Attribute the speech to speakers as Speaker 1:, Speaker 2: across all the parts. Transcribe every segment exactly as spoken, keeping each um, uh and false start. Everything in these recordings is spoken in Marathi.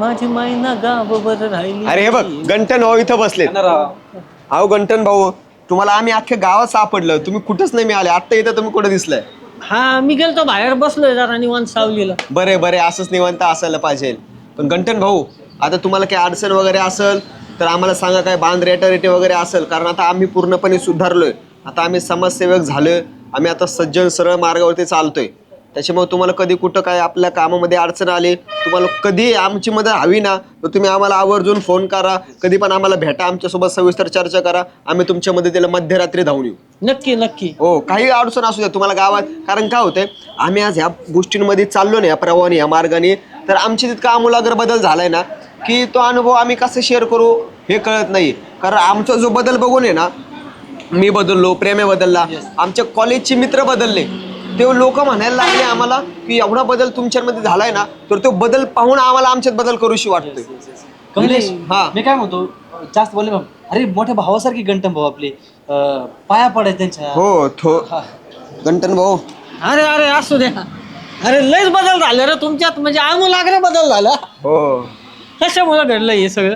Speaker 1: माझी मायना गाववर राहिली.
Speaker 2: अरे हे बघ गंटन भाऊ इथं बसले. अहो गंटन भाऊ तुम्हाला आम्ही अख्ख्या गावात सापडलं, तुम्ही कुठंच नाही मिळाले. आता इथं तुम्ही कुठं दिसलाय?
Speaker 1: हा मी गेलतो बाहेर बसलोय जरा निवांत सावलीला.
Speaker 2: बरे बरे असंच निवांत असायला पाहिजे. पण गंटन भाऊ आता तुम्हाला काही अडचण वगैरे असेल तर आम्हाला सांगा, काय बांध रेटारेटी वगैरे असेल, कारण आता आम्ही पूर्णपणे सुधारलोय. आता आम्ही समाजसेवक झालोय, आम्ही आता सज्जन सरळ मार्गावरती चालतोय. त्याच्यामुळे तुम्हाला कधी कुठं काय आपल्या कामामध्ये अडचण आली, तुम्हाला कधी आमची मदत हवी ना, तर तुम्ही आम्हाला आवर्जून फोन करा, कधी पण आम्हाला भेटा, आमच्यासोबत सविस्तर चर्चा करा. आम्ही तुमच्या मदतीला मध्यरात्री धावून येऊ.
Speaker 1: नक्की नक्की.
Speaker 2: हो काही अडचण असू द्या तुम्हाला गावात. कारण काय होतंय, आम्ही आज ह्या गोष्टींमध्ये चाललो ना, या प्रवाहाने या मार्गाने, तर आमची तितका आमूलाग्र बदल झालाय ना की तो अनुभव आम्ही कसं शेअर करू हे कळत नाही. कारण आमचा जो बदल बघून आहे ना, मी बदललो, प्रेमे बदलला, आमच्या कॉलेजचे मित्र बदलले, ते लोक म्हणायला लागले आम्हाला की एवढा बदल तुमच्यामध्ये झालाय ना, तर तो बदल पाहून आम्हाला आमच्यात बदल करूशी वाटतोय.
Speaker 3: कमलेश
Speaker 2: हा
Speaker 3: मी काय म्हणतो, जास्त बोलले मग अरे मोठ्या भावासारखी गंटन भाऊ आपले, अं, पाया पडाय त्यांच्या.
Speaker 2: हो थो गंटन भाऊ.
Speaker 1: अरे अरे असू द्या. अरे लयच बदल झाले रे तुमच्यात, म्हणजे आमूलाग्र बदल झाला.
Speaker 2: हो
Speaker 1: कशामुळे घडलं हे सगळं?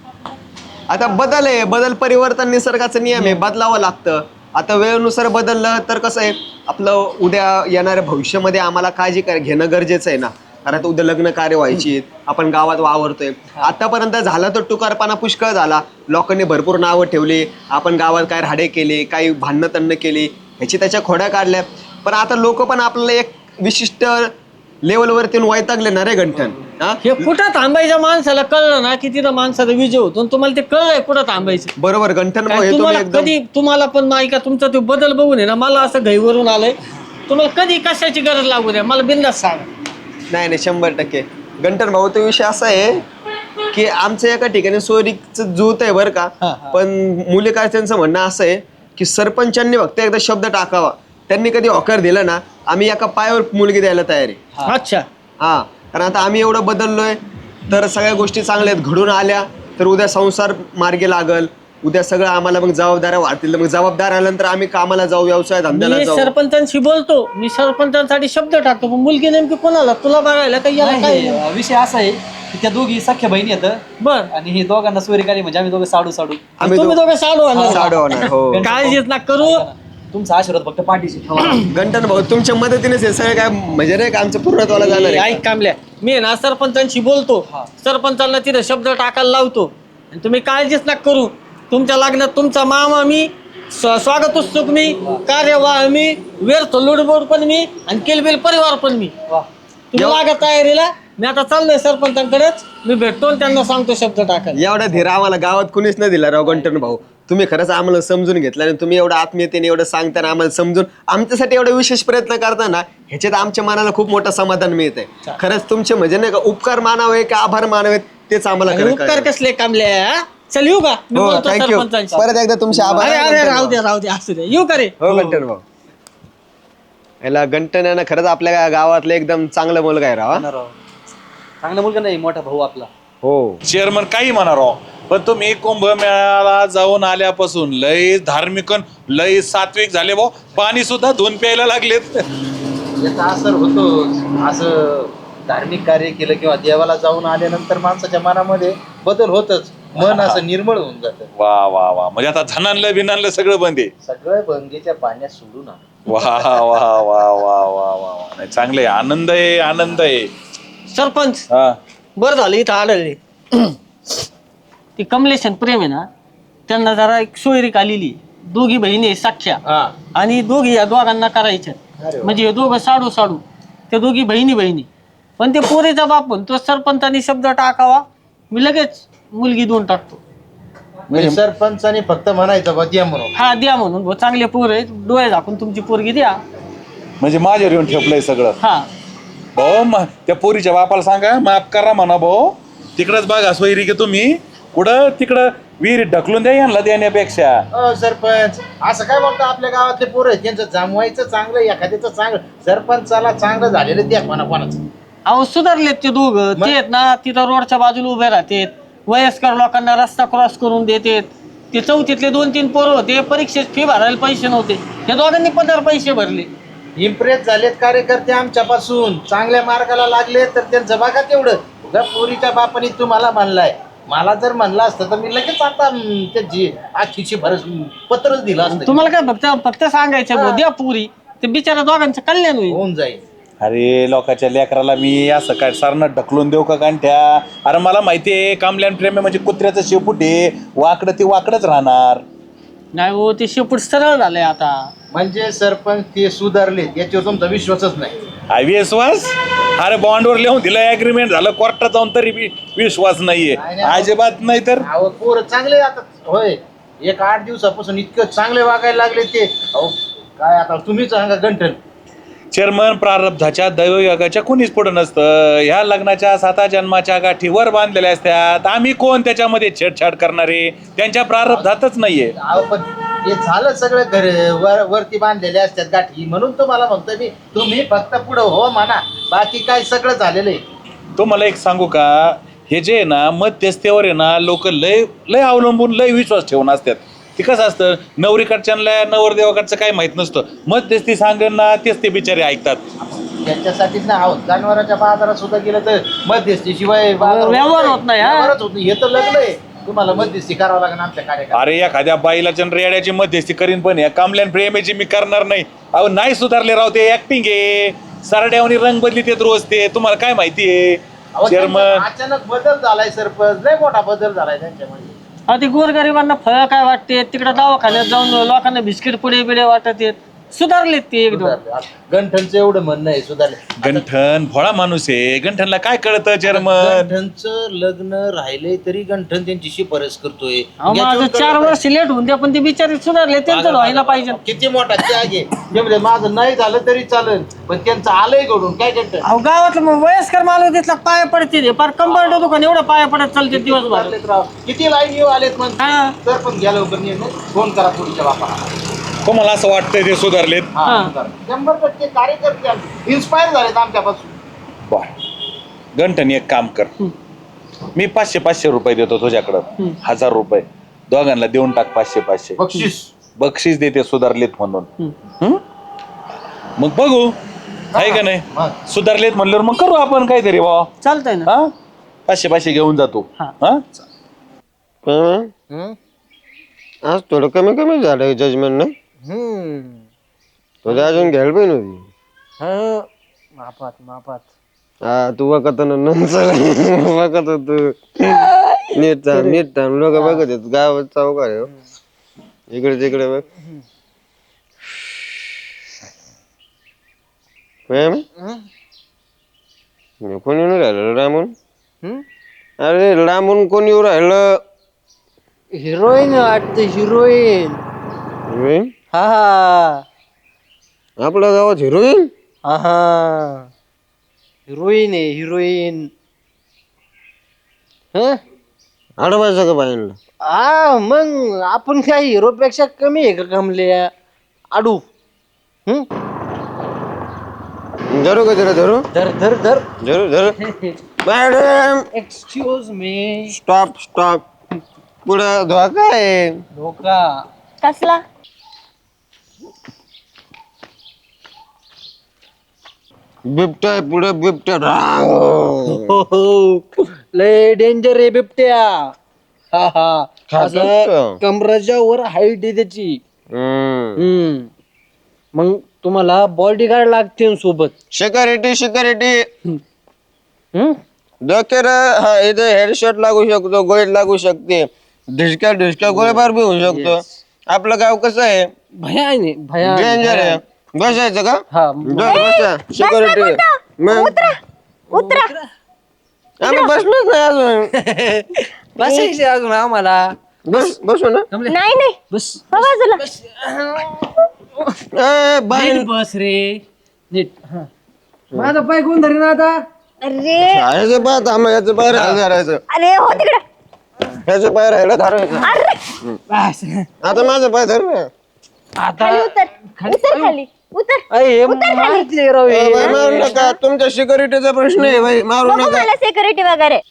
Speaker 2: आता बदल आहे, बदल परिवर्तन निसर्गाचा नियम आहे, बदलावं लागतं. आता वेळेनुसार बदललं तर कसं आहे, आपलं उद्या येणाऱ्या भविष्यामध्ये आम्हाला काळजी काय घेणं गरजेचं आहे ना. कारण आता उद्या लग्न कार्य व्हायची, आपण गावात वावरतोय. आतापर्यंत झाला तर टुकारपणा पुष्कळ झाला, लोकांनी भरपूर नावं ठेवली, आपण गावात काय राडे केले, काही भांडणं तण्ण केली, ह्याची त्याच्या खोड्या काढल्या. पण आता लोक पण आपल्याला एक विशिष्ट लेवलवरती वैतागले ना रे गंठन. हा
Speaker 1: हे कुठं थांबायच्या माणसाला कळलं ना की तिथं माणसाचा विजय होतो. तुम्हाला ते कळलंय कुठं थांबायचं.
Speaker 2: बरोबर गंठन भाऊ, हे तुम्ही
Speaker 1: तुम्हाला
Speaker 2: एकदम
Speaker 1: कधी तुम्हाला पण नाही का तुमचा तो बदल बघून आहे ना, मला असं घाईवरून आलंय. तुम्हाला कधी कशाची गरज लागू द्या, मला बिंदास सांगा.
Speaker 2: नाही नाही शंभर टक्के गंठन भाऊ. तो विषय असा आहे की आमचं एका ठिकाणी सोयरीचं जूत आहे बरं का, पण मुली काय त्यांचं म्हणणं असं आहे की सरपंचांनी फक्त एकदा शब्द टाकावा, त्यांनी कधी होकार दिला ना, आम्ही एका पायावर मुलगी द्यायला तयार आहे.
Speaker 1: अच्छा
Speaker 2: हा कारण आता आम्ही एवढं बदललोय तर सगळ्या गोष्टी चांगल्या आहेत, घडून आल्या तर उद्या संसार मार्गी लागल, उद्या सगळं आम्हाला मग जबाबदाऱ्या वाढतील. मग जबाबदार आल्यानंतर आम्ही कामाला जाऊ, व्यवसाय धंद्याला
Speaker 1: मी
Speaker 2: जाऊ.
Speaker 1: सरपंचांशी बोलतो, मी सरपंचांसाठी शब्द टाकतो, पण मुलगी नेमकी कोणाला तुला बघायला काही याला काय?
Speaker 3: नाही, विषय असा आहे की त्या दोघी सख्या बहिणी आहेत
Speaker 1: बर
Speaker 3: आणि हे दोघांना सोयरीकारी म्हणजे आम्ही दोघं साडू साडू.
Speaker 2: आम्ही
Speaker 1: तुम्ही
Speaker 2: दो-
Speaker 1: दोघं साडू आणणार.
Speaker 2: साडू होणार. हो
Speaker 1: काळजीच ना करू.
Speaker 3: तुमचा आशीर्वाद फक्त पाठीशी ठेवा.
Speaker 2: गंठन भाऊ तुमच्या मदतीनेच हे सगळं काय म्हणजे नाही का आमचं पूर्णत्वाला जाणार आहे.
Speaker 1: ऐक कामल्या, मी आहे ना सरपंचांशी बोलतो, सरपंचांना तिथे शब्द टाकायला लावतो, आणि तुम्ही काळजीच ना करू. तुमच्या लग्नात तुमचा मामा मी, स्व- स्वागत उत्सुक मी, कार्यवाह मी, व्यर्थ लुडबोड पण मी, आणि किलबिल परिवार पण मी.
Speaker 3: वा.
Speaker 1: तुम्ही लागा तयारीला. मी आता चाललोय सरपंचांकडेच, मी भेटतो आणि त्यांना सांगतो शब्द टाकायला.
Speaker 2: एवढा धीर आम्हाला गावात कुणीच नाही दिला राव गंठन भाऊ. तुम्ही खरंच आम्हाला समजून घेतलं आणि तुम्ही एवढं आत्मीयतेने एवढं सांगताना आम्हाला समजून आमच्यासाठी एवढा विशेष प्रयत्न करताना ह्याच्यात आमच्या मनाला खूप मोठं समाधान मिळतंय. खरंच तुमचे म्हणजे नाही का उपकार मानावे की आभार मानावे तेच आम्हाला
Speaker 1: आणि
Speaker 2: खरं
Speaker 1: उपकार
Speaker 2: कळलं.
Speaker 1: कसले कामल्या. हा? चल येऊ का? मी
Speaker 2: हो
Speaker 1: बोलतो
Speaker 2: थँक्यू.
Speaker 1: सरपंचांशी.
Speaker 2: परत एकदा तुमचे आभार.
Speaker 1: अरे अरे राहू दे राहू दे असू दे. येऊ का रे?
Speaker 2: हो गंठन भाऊ. याला गंठन आहे ना खरंच आपल्या गावातलं एकदम चांगलं मुलगा आहे राव.
Speaker 3: राव. चांगला मुलगा नाही, मोठा भाऊ आपला.
Speaker 4: हो चेअरमन काही म्हणा राव, पण तुम्ही कुंभमेळ्याला जाऊन आल्यापासून लय धार्मिक अन लय सात्विक झाले भाऊ. पाणी सुद्धा धुवून प्यायला लागलेत.
Speaker 5: याचा असर होतो. असं धार्मिक कार्य केलं किंवा देवाला जाऊन आल्यानंतर माणसाच्या मनामध्ये बदल होतच, मन असं निर्मळ होऊन जातं.
Speaker 4: वा वा वा, म्हणजे आता धनानलं बिनानलं सगळं बंद आहे.
Speaker 5: सगळं भंगेच्या पाण्यात सोडू ना.
Speaker 4: वा वा वा वा वा वा वा. नाही चांगलं आहे, आनंद आहे आनंद आहे.
Speaker 1: सरपंच
Speaker 4: हा
Speaker 1: बरं झालं इथं आढळले. ती कमलेश आणि प्रेम आहे ना, त्यांना जरा एक सोयरीक आलेली. दोघी बहिणी आहे सख्या, आणि दोघी या दोघांना करायच्या. म्हणजे हे दोघं साडू साडू, त्या दोघी बहिणी बहिणी. पण ते पोरीचा बापून तो सरपंचानी शब्द टाकावा, मी लगेच मुलगी देऊन टाकतो.
Speaker 5: म्हणजे सरपंचाने फक्त म्हणायचं बा द्या म्हणून.
Speaker 1: हा द्या म्हणून, भाऊ चांगले पोर आहेत, डोळे झाकून तुमची पोरगी द्या.
Speaker 4: म्हणजे माझ्यावर येऊन ठेपलंय सगळं.
Speaker 1: हा
Speaker 4: भाऊ म- त्या पोरीच्या बापाला सांगा माफ करा म्हणा भाऊ. तिकडच बघा सोयरी की तुम्ही कुठं तिकडं विहिरीत ढकलून द्या यांना देण्यापेक्षा.
Speaker 5: अ सरपंच असं काय बोलतो, आपल्या गावातले पोरं आहेत, त्यांचं जमवायचं चांगलं, एखाद्याचं चांगलं, सरपंचाला चांगलं झालेलं द्या कोणा कोणाचं.
Speaker 1: अहो सुधारलेत ते दोघं. ते आहेत ना तिथं रोडच्या बाजूला उभे राहतात, वयस्कर लोकांना रस्ता क्रॉस करून देतात. ते चौथीतले दोन तीन पोरं होते, परीक्षेत फी भरायला पैसे नव्हते, हे दोघांनी पंधरा पैसे भरले.
Speaker 5: इम्प्रेस झालेत कार्यकर्ते आमच्यापासून, चांगल्या मार्गाला लागले तर त्यांचं बघा तेवढं. जर पोरीच्या बापाने तुम्हाला म्हणलाय, मला जर म्हणलं असतं तर मी लगेच आता अं, त्याची आखीची भरस पत्रच दिलं असतं.
Speaker 1: तुम्हाला काय फक्त फक्त सांगायचं बुवा, द्या पुरी ते बिचारा दोघांचं कल्याण होईल.
Speaker 5: होऊन जाईल.
Speaker 4: अरे लोकांच्या लेकराला मी असं काय सारनं ढकलून देऊ का गांठ्या? अरे मला माहितीये कामल्यान प्रेम आहे म्हणजे कुत्र्याचं शेपूट आहे, वाकडं ते वाकडच राहणार.
Speaker 1: नाही हो, ते शेपूट सरळ झालंय आता.
Speaker 5: म्हणजे सरपंच ते सुधारले याच्यावर तुमचा विश्वासच नाही.
Speaker 4: हा विश्वास? अरे बॉन्डवर लिहून दिलं, अग्रीमेंट झालं, कोर्टात जाऊन तरी बी विश्वास नाहीये.
Speaker 5: नाही, नाही.
Speaker 4: अजिबात नाही तर.
Speaker 5: अहो पोरं चांगले आता होय, एक आठ दिवसापासून इतकं चांगले वागायला लागले ते. अहो काय आता तुम्हीच सांगा गंठन.
Speaker 4: चेअरमन प्रारब्धाच्या दैवयोगाच्या कुणीच पुढं नसतं. ह्या लग्नाच्या साता जन्माच्या गाठीवर बांधलेल्या असतात. आम्ही कोण त्याच्यामध्ये छेडछाड करणारे? त्यांच्या प्रारब्धातच नाहीये.
Speaker 5: अहो पण ते झालं सगळं घर वर वरती बांधलेले असतात गाठी, म्हणून तुम्हाला म्हणतोय मी, तुम्ही फक्त पुढं हो म्हणा, बाकी काय सगळं झालेलं आहे.
Speaker 4: तो मला एक सांगू का, हे जे आहे ना मध्यस्थेवर आहे ना लोक लय लय अवलंबून लय विश्वास ठेवून असतात. ते कसं असतं, नवरीकडच्यांना नवरदेवाकडचं काही माहित नसतं, मध्यस्थी सांगेन ना तेच ते बिचारे ऐकतात.
Speaker 5: त्याच्यासाठीच ना आहोत जनावरांच्या बाजारात सुद्धा गेलं तर मध्यस्थी शिवाय
Speaker 1: व्यवहार होत नाही, हा?
Speaker 5: व्यवहारच होत नाही. हे तर लग्न आहे, तुम्हाला मध्यस्थी करावं लागेल आमच्या कार्यक्रमात.
Speaker 4: अरे एखाद्या बाईला रेड्याची मध्यस्थी करीन, पण या कामल्यान प्रेमेची मी करणार नाही. अहो नाही सुधारले राव, ते ऍक्टिंग आहे. सरड्यावनी रंग बदली ते रोज ते, तुम्हाला काय माहितीये
Speaker 5: अहो,
Speaker 4: चेअरमन?
Speaker 5: त्यांचा अचानक बदल झालाय सरपंच, लय मोठा बदल झालाय त्यांच्यामध्ये.
Speaker 1: अहो, ते गोरगरिबांना फळ काय वाटते, तिकडे दवाखान्यात जाऊन लोकांना बिस्किट पुढे बिडे वाटत येत. सुधारलेत ते एकदम.
Speaker 5: गंठनचं एवढं म्हणणं आहे सुधारले.
Speaker 4: गंठन भोळा माणूस आहे, गंठनला काय कळतं चेअरमन?
Speaker 5: गंठनचं लग्न राहिलंय तरी गंठन त्यांची शिफारस करतोय.
Speaker 1: अहो, माझं
Speaker 5: याच्यावर
Speaker 1: चार
Speaker 5: कळलं
Speaker 1: वर्ष लेट होऊन द्या, पण ते बिचारे सुधारले, त्यांचं व्हायला पाहिजे.
Speaker 5: किती मोठा त्याग आहे. ते म्हणजे माझं नाही झालं तरी चालेल, पण त्यांचं आलंय घडून काय गंठन.
Speaker 1: अहो, गावातलं मग वयस्कर माणूस तिथला पाया पडते ते, पार कंबरड दुकान एवढं पाया पडत चालते दिवसभर.
Speaker 5: चाललेत राव. किती लाईन येऊ आलेत मग.
Speaker 1: हा.
Speaker 5: सरपंच घ्या लवकर निर्णय, फोन करा पुढच्या बापाला.
Speaker 4: तुम्हाला असं वाटतंय ते सुधारलेत?
Speaker 5: हा,
Speaker 1: हा.
Speaker 5: सुधार. शंभर टक्के कार्यकर्ते इन्स्पायर झालेत आमच्यापासून.
Speaker 4: बर गंठन एक काम कर, मी पाचशे पाचशे रुपये देतो तुझ्याकडं, हजार रुपये दोघांना देऊन टाक, पाचशे पाचशे
Speaker 5: बक्षीस
Speaker 4: बक्षीस देते सुधारलेत म्हणून. हं? मग बघू आहे का नाही,
Speaker 5: मग.
Speaker 4: सुधारलेत म्हणल्यावर मग करू आपण काहीतरी बा.
Speaker 1: चालतंय ना.
Speaker 4: हा पाचशे पाचशे घेऊन जातो.
Speaker 1: हा.
Speaker 4: हा
Speaker 2: हं? आज थोडं कमी कमी झालं जजमेंट ना. तुझ्या अजून घ्यायला पाहिजे होती.
Speaker 1: मापात मापात.
Speaker 2: हा तू बघत नंतर बघत तू नीट थांब नीट थांब, लोक बघत येत गावात चौकार आहे हो. इकडे तिकडे बघ. प्रेम? कोणी येऊन राहिलं लांबून? अरे लांबून कोणी येऊ राहिलं?
Speaker 1: हिरोईन वाटते, हिरोईन.
Speaker 2: हिरोईन?
Speaker 1: हा हा
Speaker 2: आपल्या गावात हिरोईन?
Speaker 1: हा हा हिरोईन आहे, हिरोईन.
Speaker 2: आडवायचं का बाईंना?
Speaker 1: हा मग आपण काय हिरो पेक्षा कमी आहे का कमले आडू? हम्म
Speaker 2: धरू का जरा धरू
Speaker 1: धर धर धर.
Speaker 2: धरू धरू. Madam
Speaker 1: excuse me.
Speaker 2: Stop stop. पुढं धोका आहे.
Speaker 1: धोका
Speaker 6: कसला?
Speaker 2: बिबट्या आहे पुढं, बिबट्या.
Speaker 1: हो हो लय डेंजर आहे बिबट्या. हा हा
Speaker 2: खातो
Speaker 1: असं
Speaker 2: का?
Speaker 1: कमराच्या वर हाईट आहे त्याची.
Speaker 2: हम्म.
Speaker 1: हम्म मग तुम्हाला बॉडीगार्ड लागते सोबत.
Speaker 2: Security security.
Speaker 1: हम्म
Speaker 2: डोक्यावर हा इथे हेडशॉट लागू शकतो, गोळी लागू शकते, ढिसक्या ढिसक्या गोळीबार बी होऊ शकतो. आपलं गाव कसं आहे?
Speaker 1: भयाने भया
Speaker 2: डेंजर आहे. बसायचं का?
Speaker 1: हा
Speaker 2: डोर बसा. सिक्युरिटी. मग
Speaker 6: उतरा.
Speaker 2: आम्ही बसलोच नाही अजून.
Speaker 1: बसायचे अजून आम्हाला.
Speaker 2: बस बसू ना.
Speaker 6: नाही नाही,
Speaker 1: बस
Speaker 6: हो बाजूला.
Speaker 2: ए, बाई
Speaker 1: नीट बस रे नीट. हा. माझा पाय कोण धरीन आता?
Speaker 6: अरे
Speaker 2: याचं पाय थांब, याचं पाय राहायला धरायचं,
Speaker 6: अरे हो तिकडे.
Speaker 2: याचं पाय राहायला धरायचं.
Speaker 6: अरे
Speaker 1: बस
Speaker 2: आता माझं पाय धर ना.
Speaker 1: आता
Speaker 6: खाली उतर, उतर खाली उतर.
Speaker 1: अय, मारते राव हे.
Speaker 2: ए, बाई, मारू नका. तुमच्या सिक्युरिटीचा प्रश्न आहे बाई, मारू
Speaker 6: बघू
Speaker 2: नका.
Speaker 6: मला सिक्युरिटी वगैरे.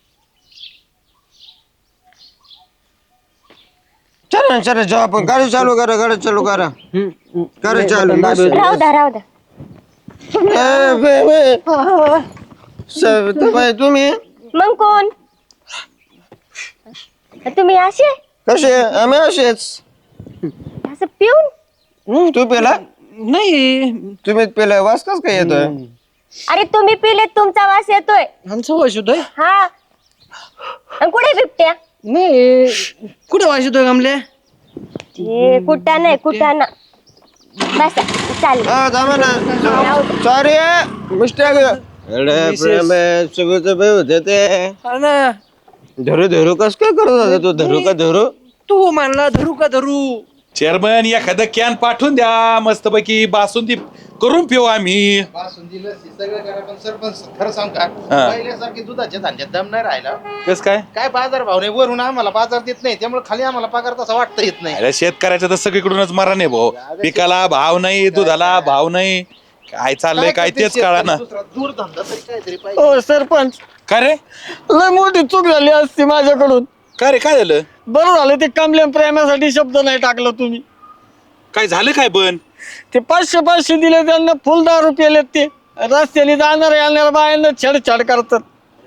Speaker 2: चला चला जाऊ आपण. गाडी चालू करा, गाडी चालू करा. गाडी चालू बस.
Speaker 6: राहू द्या राहू द्या.
Speaker 2: ए, बे, बे. सविताबाई तुम्ही
Speaker 6: मग कोण? तुम्ही असे
Speaker 2: कसे आम्ही असेच.
Speaker 6: असं पिऊन?
Speaker 2: हम्म, तू पेला?
Speaker 1: नाही
Speaker 2: तुम्ही पेला वास कस काय येतोय?
Speaker 6: अरे तुम्ही पिले तुमचा वास येतोय.
Speaker 1: आमचा वास येतोय?
Speaker 6: हा. आणि कुठे बिबट्या?
Speaker 1: नाही कुठे वास येतोय कमले?
Speaker 6: ते कुठा नाही कुठा ना. बस चालेल.
Speaker 2: हा थांबा ना. Sorry mistake. अरे प्रेम सगळं बे होते ते.
Speaker 1: हा ना.
Speaker 2: धरू धरू कस काय करत होता तू? धरू का धरू?
Speaker 1: तू म्हणला धरू का धरू?
Speaker 4: चेअरमन एखादं कॅन पाठवून द्या मस्तपैकी बासुंदी करून पिऊ आम्ही.
Speaker 5: बासुंदी लस्सी सगळं करा पण सरपंच खरं सांग का
Speaker 4: हा.
Speaker 5: पहिल्यासारखी दुधाच्या धांड्यात दम नाही राहिला.
Speaker 4: कस काय
Speaker 5: काय बाजार भाव नाही वरून आम्हाला बाजार देत नाही त्यामुळे खाली आम्हाला पगार तसा वाटता येत नाही.
Speaker 4: अरे शेतकऱ्याचं तर सगळीकडूनच मरा नाही भाऊ. पिकाला भाव नाही, दुधाला भाव नाही, काय चाललंय काय तेच कळा ना.
Speaker 5: दुसरा दूर धंदा तरी काहीतरी पाहिजे.
Speaker 1: हो सरपंच,
Speaker 4: काय रे
Speaker 1: लय मोठी चूक झाली असती माझ्याकडून.
Speaker 4: काय रे काय झालं?
Speaker 1: बरं झालं ते कमल्या प्रेमासाठी शब्द नाही टाकलं तुम्ही.
Speaker 4: काय झालं काय पण?
Speaker 1: ते पाचशे पाचशे दिले त्यांना फुल दारू पेलेत. ते रस्त्याने जाणार येणार बायांना छेडछाड करतात.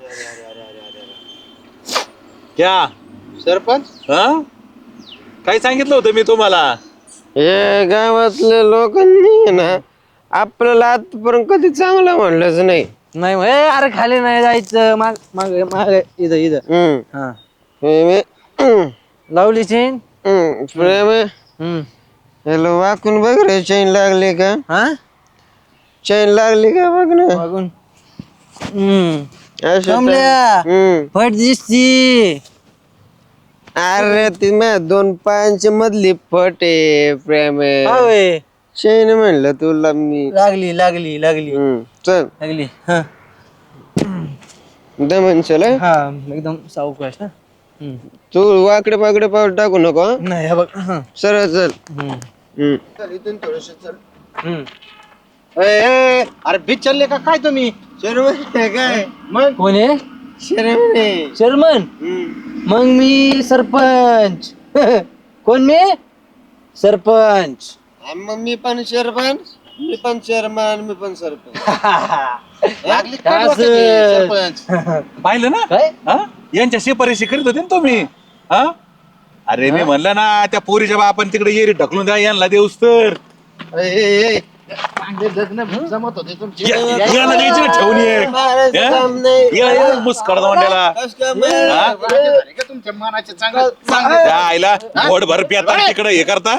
Speaker 4: क्या
Speaker 5: सरपंच
Speaker 4: हा काय सांगितलं होतं मी तुम्हाला?
Speaker 2: हे गावातल्या लोकांनी ना आपल्याला आजपर्यंत कधी चांगलं म्हणलंच नाही.
Speaker 3: नाही मग, ए, अरे खाली नाही जायचं. माग माग माग इथं इथं.
Speaker 2: हम्म.
Speaker 3: हा
Speaker 2: हे मी- हम्म.
Speaker 3: लावली चेन.
Speaker 2: हम्म. प्रेम आहे.
Speaker 3: हम्म.
Speaker 2: याला वाकून बघ रे, चैन लागली का?
Speaker 3: हा
Speaker 2: चैन लागली का बघ ना.
Speaker 3: बघून. हम्म.
Speaker 2: असं
Speaker 3: कमल्या.
Speaker 2: तर- हम्म.
Speaker 3: फट दिसती.
Speaker 2: अरे ती माझ्या दोन पायांच्या मधली फट आहे प्रेम आहे.
Speaker 3: होय.
Speaker 2: चैन म्हणलं तुला मी.
Speaker 3: लागली लागली लागली
Speaker 2: हम्म. चल
Speaker 3: लागली. हा
Speaker 2: दमन चल हं.
Speaker 3: हा एकदम सावकाश ना. हम्म.
Speaker 2: तू वाकडे पाकडे पाऊल टाकू नको हं.
Speaker 3: नाही हे बघ. हा.
Speaker 2: सरळ चल.
Speaker 3: हम्म.
Speaker 2: हम्म.
Speaker 5: इथून थोडस चल.
Speaker 3: हम्म.
Speaker 5: ए, ए, अरे बीच चालले का काय तुम्ही?
Speaker 2: शर्मन आहे काय?
Speaker 5: मग
Speaker 3: कोण आहे?
Speaker 2: शर्मन आहे.
Speaker 3: शर्मन.
Speaker 2: हम्म.
Speaker 3: मग मी सरपंच. कोण मी? सरपंच.
Speaker 2: आणि मग मी पण सरपंच, मी पण चेअरमन, मी पण सरपंच.
Speaker 5: लागली का
Speaker 3: असं.
Speaker 5: डोक्यात सरपंच?
Speaker 4: पाहिलं ना
Speaker 3: काय?
Speaker 4: हा यांच्या शिपारीशी करीत होते ना तुम्ही. हा अरे मी म्हणलं ना त्या पोरीच्या बापान तिकडे येरी ढकलून द्या यांना देऊस तर.
Speaker 5: ए, ए, ए, चांगले लग्न जमत होते तुमचे.
Speaker 4: या- याला द्यायची ना ठेवून ये.
Speaker 2: मारायचं काम
Speaker 4: हा?
Speaker 2: नाही.
Speaker 4: या- या मुस्काड दोंड्याला.
Speaker 2: कसं काय मार-
Speaker 4: हा?
Speaker 5: भारी झाले का तुमच्या मनाचे चांगलं चांगलं.
Speaker 4: त्या आईला घोड भर पिता तिकडे हे करता.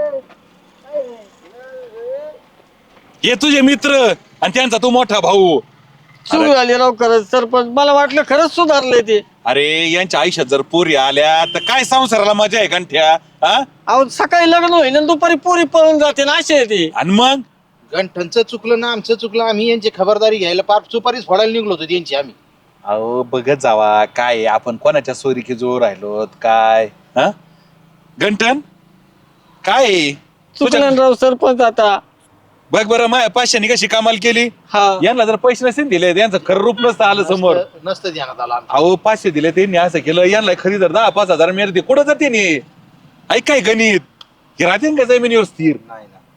Speaker 4: हे तुझे मित्र आणि त्यांचा तू मोठा भाऊ.
Speaker 1: चूक झाली राव खरंच सरपंच. मला वाटलं खरंच सुधारलंय ते.
Speaker 4: अरे यांच्या आयुष्यात जर पोरी आल्या तर काय संसाराला मजा आहे कंठ्या. हा
Speaker 1: अहो सकाळी लग्न होईल आणि दुपारी पोरी पळून जाते ना असे आहे ते.
Speaker 4: आणि मग
Speaker 5: गंठनचं चुकलं ना आमचं चुकलं. आम्ही यांची खबरदारी घ्यायला पार सुपारीच फोडायला निघलो होतो त्यांची आम्ही.
Speaker 4: अहो बघत जावा काय आहे, आपण कोणाच्या सोरीकी जोर राहिलो काय. हा गंठन काय आहे? तुझ्या-
Speaker 1: चुकलं राव सरपंच आता.
Speaker 4: बघ बरं माया पाचशेनी कशी कमाल केली.
Speaker 1: हा
Speaker 4: यांना जर पैसे नसतील दिले त्यांचं खरं रूप नसतं आलं समोर.
Speaker 5: नसतं- नसतं ध्यानात आला आमच्या.
Speaker 4: अहो पाचशे दिले त्यांनी असं केलं. यांना खरी जर दहा पाच हजार मिळते कुठं जाते नी. ऐक काय गणित हे राहते का जमिनीवर स्थिर.
Speaker 5: नाही ना.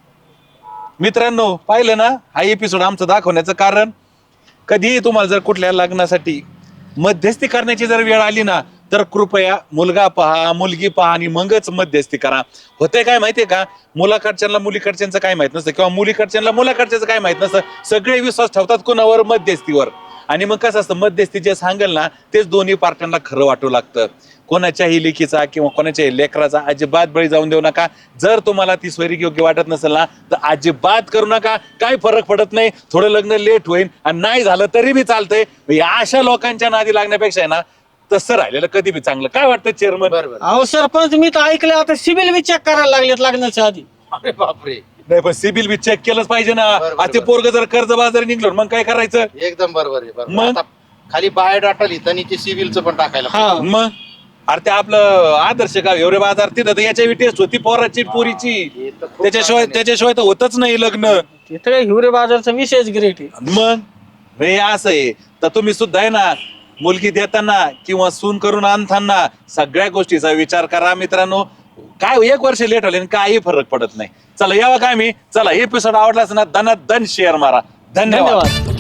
Speaker 4: मित्रांनो पाहिलं ना हा एपिसोड आमचं दाखवण्याचं कारण कधीही तुम्हाला जर कुठल्या लग्नासाठी मध्यस्थी करण्याची जर वेळ आली ना तर कृपया मुलगा पहा मुलगी पहा आणि मगच मध्यस्थी करा. होतंय काय माहितीये का मुलाकडच्यांना मुलीकडच्यांचं काय माहित नसतं किंवा मुलीकडच्यांना मुलाकडच्याचं काय माहित नसतं. सगळे विश्वास ठेवतात कोणावर? मध्यस्थीवर. आणि मग कसं असतं मध्यस्थी जे सांगेल ना तेच दोन्ही पार्ट्यांना खरं वाटू लागतं. कोणाच्याही लेकीचा किंवा कोणाच्याही लेकराचा अजिबात बळी जाऊन देऊ नका. जर तुम्हाला ती स्वैरिक योग्य वाटत नसेल ना तर अजिबात करू नका. काय फरक पडत नाही. थोडं लग्न लेट होईल आणि नाही झालं तरी बी चालतंय. या अशा लोकांच्या नादी लागण्यापेक्षा आहे ना तसं राहिलेलं कधी बी चांगलं. काय वाटतं चेअरमन?
Speaker 5: बरोबर.
Speaker 1: अहो सरपंच मी तर ऐकलं आता सिबिल बी चेक करायला लागलेत लग्नाच्या आधी.
Speaker 5: अरे बापरे
Speaker 4: नाही पण सिबिल बी चेक केलंच पाहिजे ना.
Speaker 5: बरोबर,
Speaker 4: आता ते पोरग जर कर्ज बाजारी निघलो मग काय करायचं?
Speaker 5: एकदम बरोबर आहे. बरोबर.
Speaker 4: मग?
Speaker 5: आता खाली बायोडाटा लिहिता आणि ते सिव्हिलचं पण टाकायला
Speaker 1: हा
Speaker 4: मग अरे ते आपलं आदर्श गाव एवढे बाजार तिथं तर याच्या टेस्ट होती पोराची पोरीची.
Speaker 5: हे तर खूप
Speaker 4: त्याच्याशिवाय
Speaker 5: चांगलं आहे.
Speaker 4: त्याच्याशिवाय तर होतच नाही लग्न.
Speaker 1: तिथे हिवरे बाजारचा विषयच ग्रेट आहे.
Speaker 4: मग हे असं आहे तर तुम्ही सुद्धा आहे ना मुलगी देताना किंवा सून करून आणताना सगळ्या गोष्टीचा विचार करा मित्रांनो. काय एक वर्ष लेट होले काही फरक पडत नाही. चला यावं काय मी चला एपिसोड आवडलाच ना दना दन शेअर मारा. धन्यवाद.
Speaker 1: धन्यवाद.